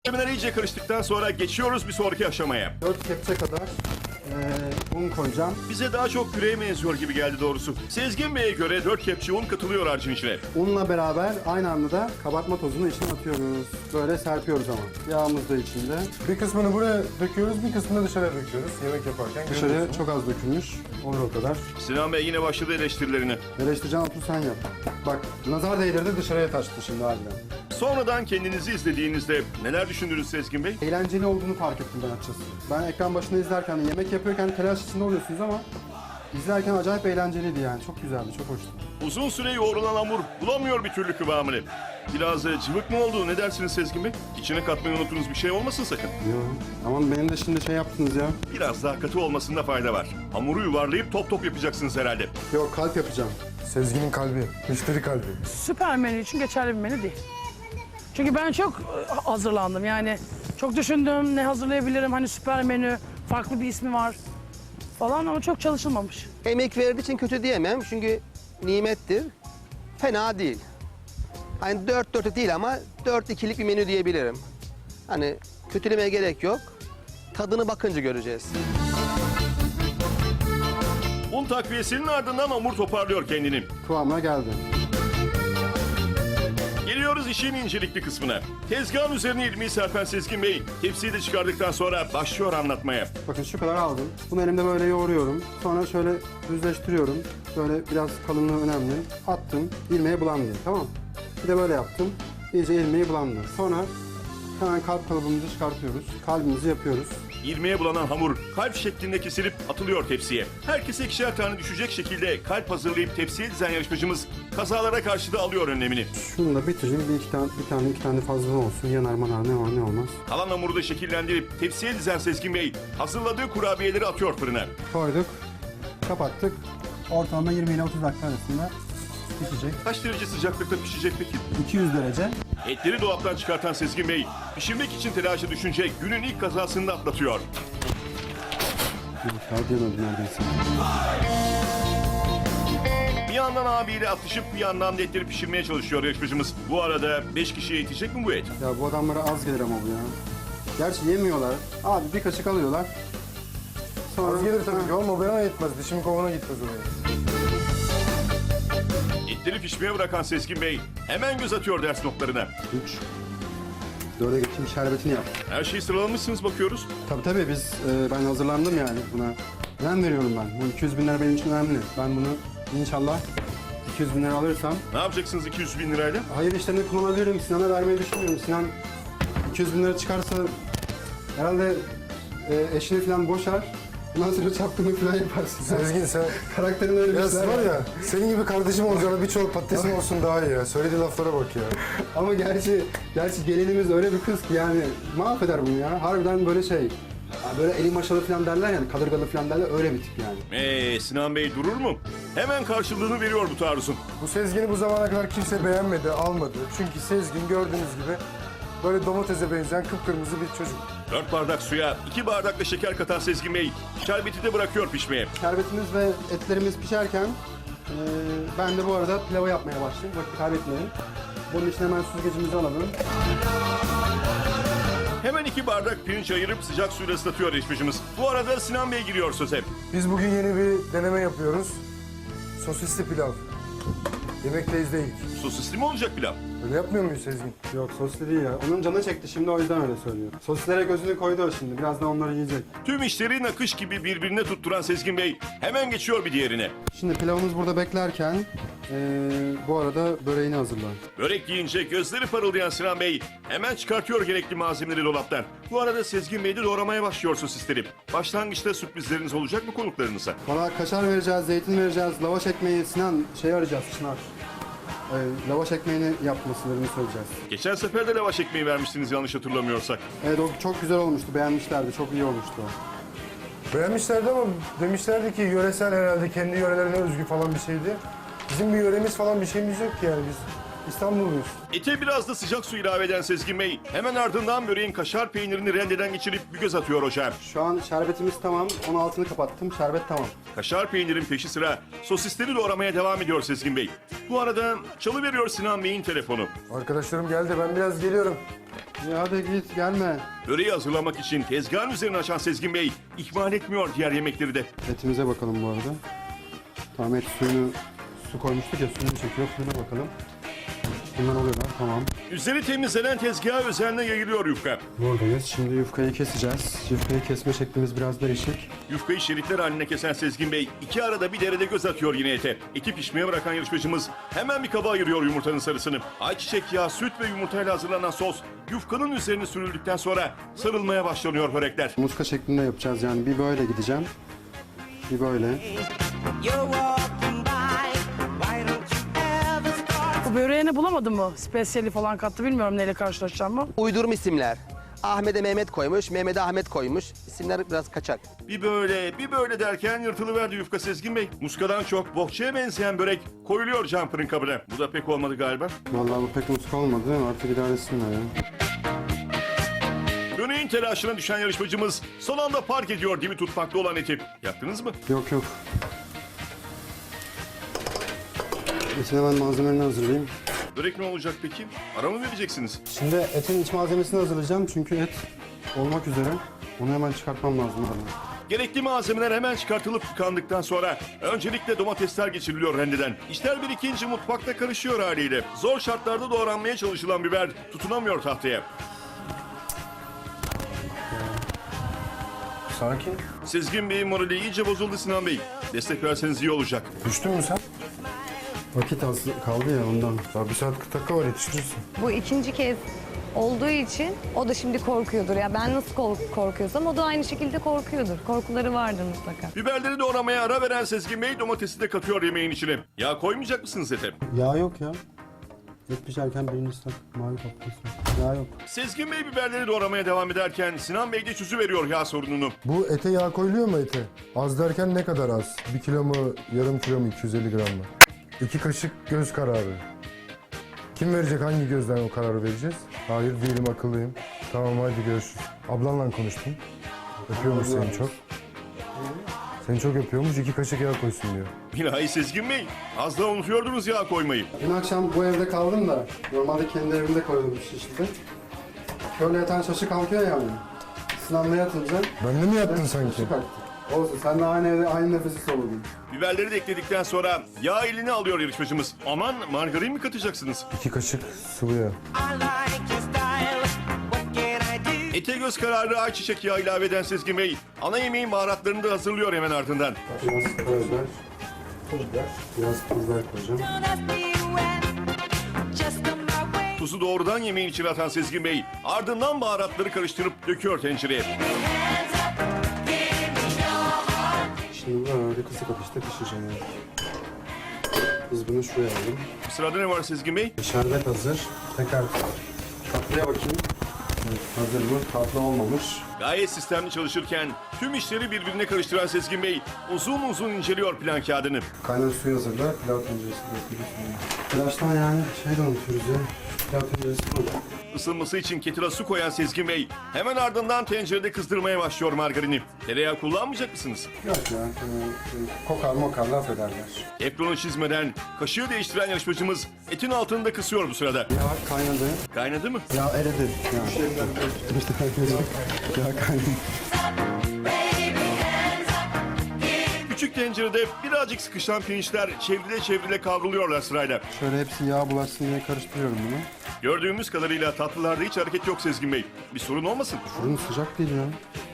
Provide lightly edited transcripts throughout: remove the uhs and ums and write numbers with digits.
Malzemeler iyice karıştıktan sonra geçiyoruz bir sonraki aşamaya. 4 kepçe kadar un koyacağım. Bize daha çok püreye benziyor gibi geldi doğrusu. Sezgin Bey'e göre 4 kepçe un katılıyor harcın içine. Unla beraber aynı anda da kabartma tozunu içine atıyoruz. Böyle serpiyoruz ama. Yağımız da içinde. Bir kısmını buraya döküyoruz, bir kısmını dışarıya döküyoruz yemek yaparken. Dışarıya görüyorsun. çok az dökülmüş. Olur o kadar. Sinan Bey yine başladı eleştirilerine. Eleştireceğim, otur sen yap. Bak, nazar değdirdi, dışarıya taştı şimdi harbiden. Sonradan kendinizi izlediğinizde neler düşündünüz Sezgin Bey? Eğlenceli olduğunu fark ettim ben açıkçası. Ben ekran başında izlerken, yemek yapıyorken telaş içinde oluyorsunuz ama izlerken acayip eğlenceliydi yani. Çok güzeldi, çok hoştu. Uzun süre yoğrulan hamur bulamıyor bir türlü kıvamını. Biraz cıvık mı oldu? Ne dersiniz Sezgin Bey? İçine katmayı unuttuğunuz bir şey olmasın sakın. Yo, aman benim de şimdi şey yaptınız ya. Biraz daha katı olmasında fayda var. Hamuru yuvarlayıp top top yapacaksınız herhalde. Yok, kalp yapacağım. Sezgin'in kalbi, müşteri kalbi. Süper menü için geçerli bir menü değil. Çünkü ben çok hazırlandım yani. Çok düşündüm ne hazırlayabilirim, hani süper menü, farklı bir ismi var falan ama çok çalışılmamış. Emek verdiği için kötü diyemem çünkü nimettir. Fena değil. Hani 4-4 değil ama 4-2'lik bir menü diyebilirim. Hani kötülemeye gerek yok. Tadını bakınca göreceğiz. Un takviyesinin ardından hamur toparlıyor kendini. Kıvamına geldi. Geliyoruz işin incelikli kısmına. Tezgahın üzerine ilmeği serpen Sezgin Bey, tepsiyi de çıkardıktan sonra başlıyor anlatmaya. Bakın şu kadar aldım. Bunu elimde böyle yoğuruyorum. Sonra şöyle düzleştiriyorum. Böyle biraz kalınlığı önemli. Attım, ilmeğe bulandı. Tamam mı? Bir de böyle yaptım. İyice ilmeği bulandı. Sonra hemen kalp kalıbımızı çıkartıyoruz. Kalbimizi yapıyoruz. İlmeğe bulanan hamur kalp şeklinde kesilip atılıyor tepsiye. Herkese ikişer tane düşecek şekilde kalp hazırlayıp tepsiye dizen yarışmacımız kazalara karşı da alıyor önlemini. Şunu da bitireyim. Bir tane fazla olsun. Yanar manar ne var ne olmaz. Kalan hamuru da şekillendirip tepsiye dizen Sezgin Bey hazırladığı kurabiyeleri atıyor fırına. Koyduk. Kapattık. Ortalama 20 ile 30 dakika arasında pişecek. Kaç derece sıcaklıkta pişecek peki? 200 derece. Etleri dolaptan çıkartan Sezgin Bey, pişirmek için telaşa düşünce günün ilk kazasını da atlatıyor. Daha diyemedim neredeyse. Bir yandan abiyle atışıp bir yandan da etleri pişirmeye çalışıyor yarışmacımız. Bu arada 5 kişiye yetecek mi bu et? Ya bu adamlara az gelir ama bu ya. Gerçi yemiyorlar. Abi bir kaşık alıyorlar. Sonra... Az gelir tabii ki ama bana yetmez. Dişim kovana gitmez oraya. Etleri pişmeye bırakan Sezgin Bey hemen göz atıyor ders notlarına. 3. 4'e geçeyim, şerbetini yap. Her şeyi sıralamışsınız bakıyoruz. Tabii biz, ben hazırlandım yani buna. Önem veriyorum ben. Bu 200 bin lira benim için önemli. Ben bunu inşallah 200 bin lira alırsam... Ne yapacaksınız 200 bin lirayla? Hayır işlerine kullanabilirim. Sinan'a vermeyi düşünmüyorum. Sinan 200 bin lira çıkarsa herhalde eşini falan boşar. Ondan sonra çapkınlık falan yaparsın. Sezgin sen... Karakterin öyle bir Ya şeyler var ya, senin gibi kardeşim olacağına birçok patatesim olsun daha iyi ya. Söylediği laflara bak ya. Ama gerçi gelinimiz öyle bir kız ki yani mahveder bunu ya. Harbiden böyle şey. Ya böyle eli maşalı falan derler yani, kadırgalı falan derler, öyle bir tip yani. Sinan Bey durur mu? Hemen karşılığını veriyor bu taarruzun. Bu Sezgin'i bu zamana kadar kimse beğenmedi, almadı. Çünkü Sezgin gördüğünüz gibi böyle domatese benzeyen kıpkırmızı bir çocuk. 4 bardak suya 2 bardak da şeker katan Sezgin Bey şerbeti de bırakıyor pişmeye. Şerbetimiz ve etlerimiz pişerken ben de bu arada pilavı yapmaya başlayayım. Vakit kaybetmeyin. Bunun için hemen süzgecimizi alalım. Hemen 2 bardak pirinç ayırıp sıcak suyla ıslatıyor yarışmacımız. Bu arada Sinan Bey giriyor söze. Biz bugün yeni bir deneme yapıyoruz. Sosisli pilav. Yemekteyiz değil. Sosisli mi olacak pilav? Öyle yapmıyor muyuz Sezgin? Yok soslu değil ya. Onun canı çekti şimdi, o yüzden öyle söylüyor. Sosislere gözünü koydu o şimdi. Birazdan onları yiyecek. Tüm işleri nakış gibi birbirine tutturan Sezgin Bey hemen geçiyor bir diğerine. Şimdi pilavımız burada beklerken bu arada böreğini hazırlan. Börek yiyince gözleri parıldayan Sinan Bey hemen çıkartıyor gerekli malzemeleri dolaptan. Bu arada Sezgin Bey de doğramaya başlıyor sosisleri. Başlangıçta sürprizleriniz olacak mı konuklarınıza? Valla kaşar vereceğiz, zeytin vereceğiz, lavaş ekmeği, Sinan şey arayacağız, Çınar. Lavaş ekmeğini yapmasını söyleyeceğiz. Geçen sefer de lavaş ekmeği vermiştiniz yanlış hatırlamıyorsak. Evet, o çok güzel olmuştu, beğenmişlerdi, çok iyi olmuştu o. Beğenmişlerdi ama demişlerdi ki yöresel herhalde kendi yörelerine özgü falan bir şeydi. Bizim bir yöremiz falan bir şeyimiz yok ki yani biz İstanbulluyuz. Ete biraz da sıcak su ilave eden Sezgin Bey hemen ardından böreğin kaşar peynirini rendeden geçirip bir göz atıyor ocağa. Şu an şerbetimiz tamam, onun altını kapattım, şerbet tamam. Kaşar peynirin peşi sıra sosisleri doğramaya devam ediyor Sezgin Bey. Bu arada çalıveriyor Sinan Bey'in telefonu. Arkadaşlarım geldi ben biraz geliyorum. Ya hadi git gelme. Böreği hazırlamak için tezgahın üzerine açan Sezgin Bey ihmal etmiyor diğer yemekleri de. Etimize bakalım bu arada. Tamam, et suyunu, su koymuştuk ya, suyunu çekiyor. Suyuna bakalım. Bunlar oluyorlar, tamam. Üzeri temizlenen tezgaha özenle yayılıyor yufka. Buradayız. Şimdi yufkayı keseceğiz. Yufkayı kesme şeklimiz biraz değişik. Yufkayı şeritler haline kesen Sezgin Bey iki arada bir derede göz atıyor yine ete. Eti pişmeye bırakan yarışmacımız hemen bir kaba ayırıyor yumurtanın sarısını. Ayçiçek yağı, süt ve yumurtayla hazırlanan sos yufkanın üzerine sürüldükten sonra sarılmaya başlanıyor börekler. Muska şeklinde yapacağız yani. Bir böyle gideceğim. Bir böyle. You're walking by, why don't you ever start? Bu böreğini bulamadın mı? Spesiyeli falan kattı, bilmiyorum neyle karşılaşacağımı. Uydurma isimler. Ahmet'e Mehmet koymuş, Mehmet'e Ahmet koymuş. İsimler biraz kaçak. Bir böyle derken yırtılıverdi yufka Sezgin Bey. Muskadan çok bohçaya benzeyen börek koyuluyor cam fırın kabına. Bu da pek olmadı galiba. Vallahi bu pek muska olmadı. Artık idare etsinler ya. Böreğin telaşına düşen yarışmacımız son anda park ediyor dibi tutmakta olan eti. Yaptınız mı? Yok yok. İçine ben malzemelerini hazırlayayım. Börek ne olacak peki? Ara mı vereceksiniz? Şimdi etin iç malzemesini hazırlayacağım çünkü et olmak üzere. Onu hemen çıkartmam lazım aradan. Gerekli malzemeler hemen çıkartılıp yıkandıktan sonra öncelikle domatesler geçiriliyor rendeden. İşler birikince mutfakta karışıyor haliyle. Zor şartlarda doğranmaya çalışılan biber tutunamıyor tahtaya. Sakin. Sezgin Bey'in morali iyice bozuldu Sinan Bey. Destek verseniz iyi olacak. Düştün mü sen? Vakit az kaldı ya ondan. Daha 1 saat 40 dakika var, yetiştirirsin. Bu ikinci kez olduğu için o da şimdi korkuyordur. Ya ben nasıl korkuyorsam o da aynı şekilde korkuyordur. Korkuları vardır mutlaka. Biberleri doğramaya ara veren Sezgin Bey domatesi de katıyor yemeğin içine. Ya koymayacak mısınız ete? Yağ yok ya. Et pişerken birinci ıslak mavi kaplısı. Yağ yok. Sezgin Bey biberleri doğramaya devam ederken Sinan Bey de çözüveriyor yağ sorununu. Bu ete yağ koyuluyor mu ete? Az derken ne kadar az? 1 kilo mu, yarım kilo mu, 250 gram mı? 2 kaşık göz kararı. Kim verecek, hangi gözden o kararı vereceğiz? Hayır değilim, akıllıyım. Tamam hadi görüşürüz. Ablanla konuştum. Öpüyormuş seni çok. Seni çok öpüyormuş, 2 kaşık yağ koysun diyor. Bilahare Sezgin Bey, az daha unutuyordunuz yağ koymayı. Dün akşam bu evde kaldım da normalde kendi evimde koyuyordum Şişli'de. Şöyle yatan şaşı kalkıyor yani. Sınavda yatınca Ben de mi yattın sanki? şaşı kalktı. Olsun, sen de aynı evde aynı nefesi soludun. Biberleri de ekledikten sonra yağ eline alıyor yarışmacımız. Aman margarin mi katacaksınız? 2 kaşık sıvı yağ. I like your style. What can I do? Ete göz kararı ayçiçek yağı ilave eden Sezgin Bey, ana yemeğin baharatlarını da hazırlıyor hemen ardından. Biraz karabiber, pul biber, biraz pul biber koyacağım. Don't ask me when. Just come my way. Tuzu doğrudan yemeğin içine atan Sezgin Bey, ardından baharatları karıştırıp döküyor tencereye. Şimdi böyle kısık ateşte pişireceğim yani. Biz bunu şuraya alalım. Sırada ne var Sezgin Bey? Şerbet hazır. Tekrar tatlıya bakayım. Evet, hazır mı? Tatlı olmamış. Gayet sistemli çalışırken tüm işleri birbirine karıştıran Sezgin Bey uzun uzun inceliyor plan kağıdını. Kaynar suyu hazırla. Pilav tenceresi de Pilavdan yani şey de unutuyoruz ya. Pilav tenceresi bu. Isınması için ketile su koyan Sezgin Bey hemen ardından tencerede kızdırmaya başlıyor margarini. Tereyağı kullanmayacak mısınız? Yok ya. Kokar mokar laf ederler. Teflonu çizmeden kaşığı değiştiren yarışmacımız etin altını da kısıyor bu sırada. Yağ kaynadı. Kaynadı mı? Yağ eridi. Yağ kaynadı. Küçük tencerede birazcık sıkışan pirinçler çevrile kavruluyorlar sırayla. Şöyle hepsi yağ bulaşsın diye karıştırıyorum bunu. Gördüğümüz kadarıyla tatlılarda hiç hareket yok Sezgin Bey. Bir sorun olmasın. Fırın sıcak değil ya.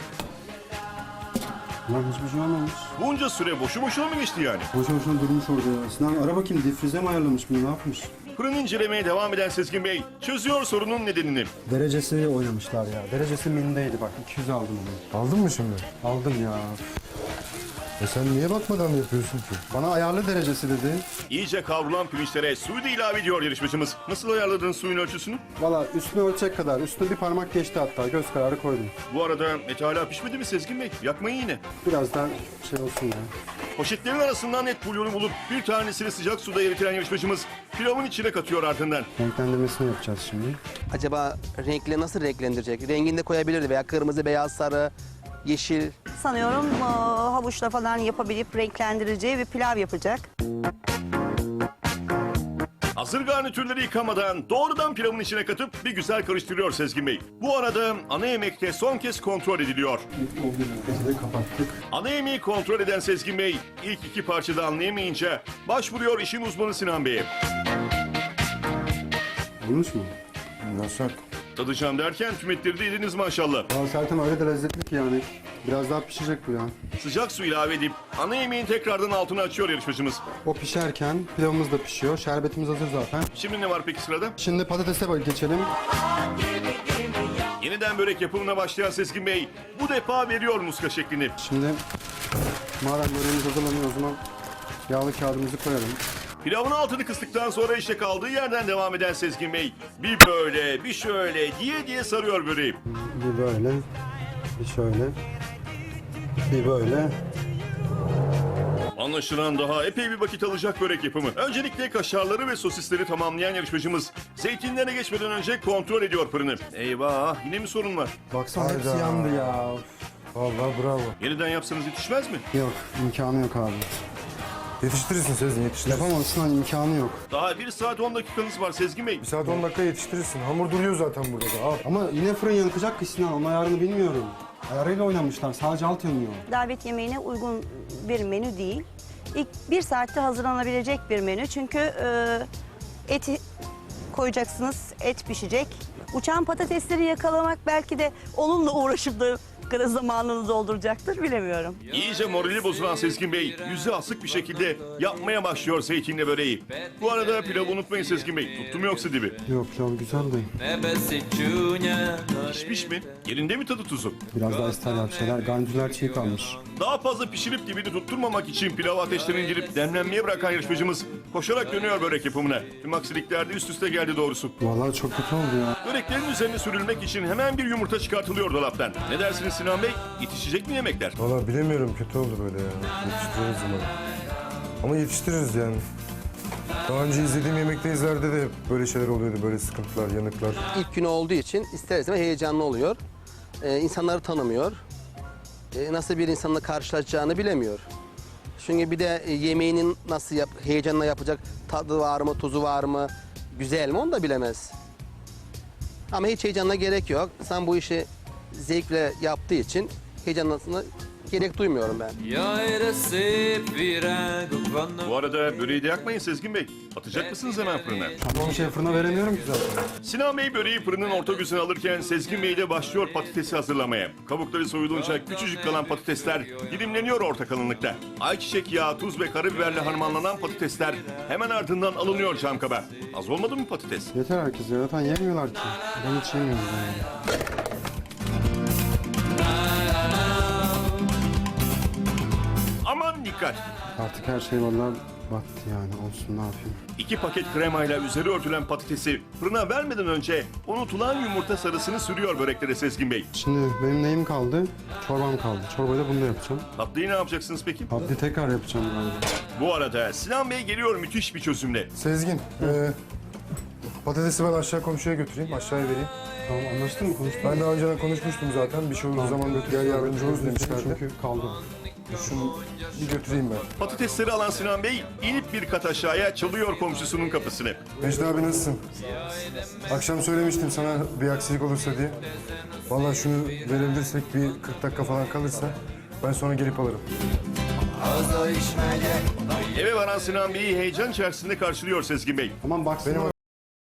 Lan hiçbir şey olmamış. Bunca süre boşu boşuna mı geçti yani? Boşu boşuna durmuş orada ya. Sinan ara bakayım, difrize mi ayarlamış bunu, ne yapmış? Fırın incelemeye devam eden Sezgin Bey çözüyor sorunun nedenini. Derecesi oynamışlar ya. Derecesi mindeydi bak, 200 aldım onu. Aldın mı şimdi? Aldım ya. Sen niye bakmadan yapıyorsun ki? Bana ayarlı derecesi dedi. İyice kavrulan pirinçlere suyu da ilave ediyor yarışmacımız. Nasıl ayarladın suyun ölçüsünü? Valla üstüne ölçecek kadar. Üstüne bir parmak geçti hatta. Göz kararı koydum. Bu arada et hala pişmedi mi Sezgin Bey? Yakmayın yine. Biraz daha şey olsun ya. Poşetlerin arasından et bulyonu bulup bir tanesini sıcak suda eritilen yarışmacımız pilavın içine katıyor ardından. Renklendirmesini yapacağız şimdi. Acaba renkli nasıl renklendirecek? Rengini de koyabilirdi veya kırmızı, beyaz, sarı, yeşil. Sanıyorum havuçla falan yapabilip renklendireceği bir pilav yapacak. Hazır garnitürleri yıkamadan doğrudan pilavın içine katıp bir güzel karıştırıyor Sezgin Bey. Bu arada ana yemekte son kez kontrol ediliyor. Peçete kapattık. Ana yemeği kontrol eden Sezgin Bey ilk iki parçada anlayamayınca başvuruyor işin uzmanı Sinan Bey'e. Olmuş mu? Nasıl? Tadacağım derken tüm etleri de yediniz maşallah. Ya Sertan öyle de lezzetli ki yani. Biraz daha pişecek bu ya. Sıcak su ilave edip ana yemeğin tekrardan altını açıyor yarışmacımız. O pişerken pilavımız da pişiyor. Şerbetimiz hazır zaten. Şimdi ne var peki sırada? Şimdi patatese geçelim. Yeniden börek yapımına başlayan Sezgin Bey bu defa veriyor muska şeklini. Şimdi madem böreğimiz hazırlanıyor o zaman yağlı kağıdımızı koyalım. Pilavın altını kıstıktan sonra işte kaldığı yerden devam eden Sezgin Bey bir böyle bir şöyle diye sarıyor böreği. Bir böyle, bir şöyle, bir böyle. Anlaşılan daha epey bir vakit alacak börek yapımı. Öncelikle kaşarları ve sosisleri tamamlayan yarışmacımız zeytinlerine geçmeden önce kontrol ediyor fırını. Eyvah yine mi sorun var? Baksana hepsi Hayda. yandı ya. Vallahi bravo. Yeniden yapsanız yetişmez mi? Yok, imkanı yok abi. Yetiştirirsin Sezgin, yetiştirirsin. Yapamazsın hani imkanı yok. Daha 1 saat 10 dakikanız var Sezgin Bey. 1 saat 10 dakika yetiştirirsin. Hamur duruyor zaten burada da. Al. Ama yine fırın yakacak ki Sinan, onun ayarını bilmiyorum. Ayarıyla oynamışlar, sadece alt yanıyor. Davet yemeğine uygun bir menü değil. İlk 1 saatte hazırlanabilecek bir menü. Çünkü eti koyacaksınız, et pişecek. Uçan patatesleri yakalamak belki de onunla uğraşıp da kadar zamanını dolduracaktır, bilemiyorum. İyice morali bozulan Sezgin Bey yüzü asık bir şekilde yapmaya başlıyor zeytinle böreği. Bu arada pilavı unutmayın Sezgin Bey. Tuttu mu yoksa dibi? Yok ya, güzel de. Pişmiş mi? Yerinde mi tadı tuzu? Biraz daha isterler bir şeyler. Garnitürler çiğ kalmış. Daha fazla pişirip dibini tutturmamak için pilavı ateşten indirip demlenmeye bırakan yarışmacımız koşarak dönüyor börek yapımına. Tüm aksilikler de üst üste geldi doğrusu. Vallahi çok kötü oldu ya. Böreklerin üzerine sürülmek için hemen bir yumurta çıkartılıyor dolaptan. Ne dersiniz Sinan Bey? Yetişecek mi yemekler? Vallahi bilemiyorum, kötü oldu böyle ya. Yetiştiririz umarım. Ama yetiştiririz yani. Daha önce izlediğim yemekteyizlerde de hep böyle şeyler oluyordu, böyle sıkıntılar, yanıklar. İlk günü olduğu için ister istemez heyecanlı oluyor. İnsanları tanımıyor. Nasıl bir insanla karşılaşacağını bilemiyor. Çünkü bir de yemeğinin nasıl heyecanla yapacak, tadı var mı, tuzu var mı, güzel mi onu da bilemez. Ama hiç heyecanla gerek yok. Sen bu işi zevkle yaptığı için heyecanlasına gerek duymuyorum ben. Bu arada böreği de yakmayın Sezgin Bey. Atacak mısınız hemen fırına? Tamam şey fırına veremiyorum ki zaten. Sinan Bey böreği fırının orta gözüne alırken Sezgin Bey de başlıyor patatesi hazırlamaya. Kabukları soyulunca küçücük kalan patatesler dilimleniyor orta kalınlıkta. Ayçiçek yağı, tuz ve karabiberle harmanlanan patatesler hemen ardından alınıyor cam kaba. Az olmadı mı patates? Yeter herkes ya. Zaten yemiyorlar ki. Ben hiç yemiyorum yani. Aman dikkat! Artık her şey vallahi battı yani. Olsun, ne yapayım. 2 paket kremayla üzeri örtülen patatesi fırına vermeden önce unutulan yumurta sarısını sürüyor böreklere Sezgin Bey. Şimdi benim neyim kaldı? Çorbam kaldı. Çorbayı da bunu da yapacağım. Tatlıyı ne yapacaksınız peki? Abdi tekrar yapacağım galiba. Bu arada Sinan Bey geliyor müthiş bir çözümle. Sezgin, patatesi ben aşağı komşuya götüreyim, aşağıya vereyim. Tamam, anlaştın mı? Konuştuk. Ben daha önceden konuşmuştum zaten. Bir şey olduğu zaman gel yardımcı oluruz demişlerdi. Çünkü kaldı. Şunu bir götüreyim ben. Patatesleri alan Sinan Bey inip bir kat aşağıya çalıyor komşusunun kapısını. Mecdi abi nasılsın? Akşam söylemiştim sana bir aksilik olursa diye. Vallahi şunu verebilirsek bir 40 dakika falan kalırsa ben sonra gelip alırım. Eve varan Sinan Bey'i heyecan içerisinde karşılıyor Sezgin Bey. Aman baksana. Benim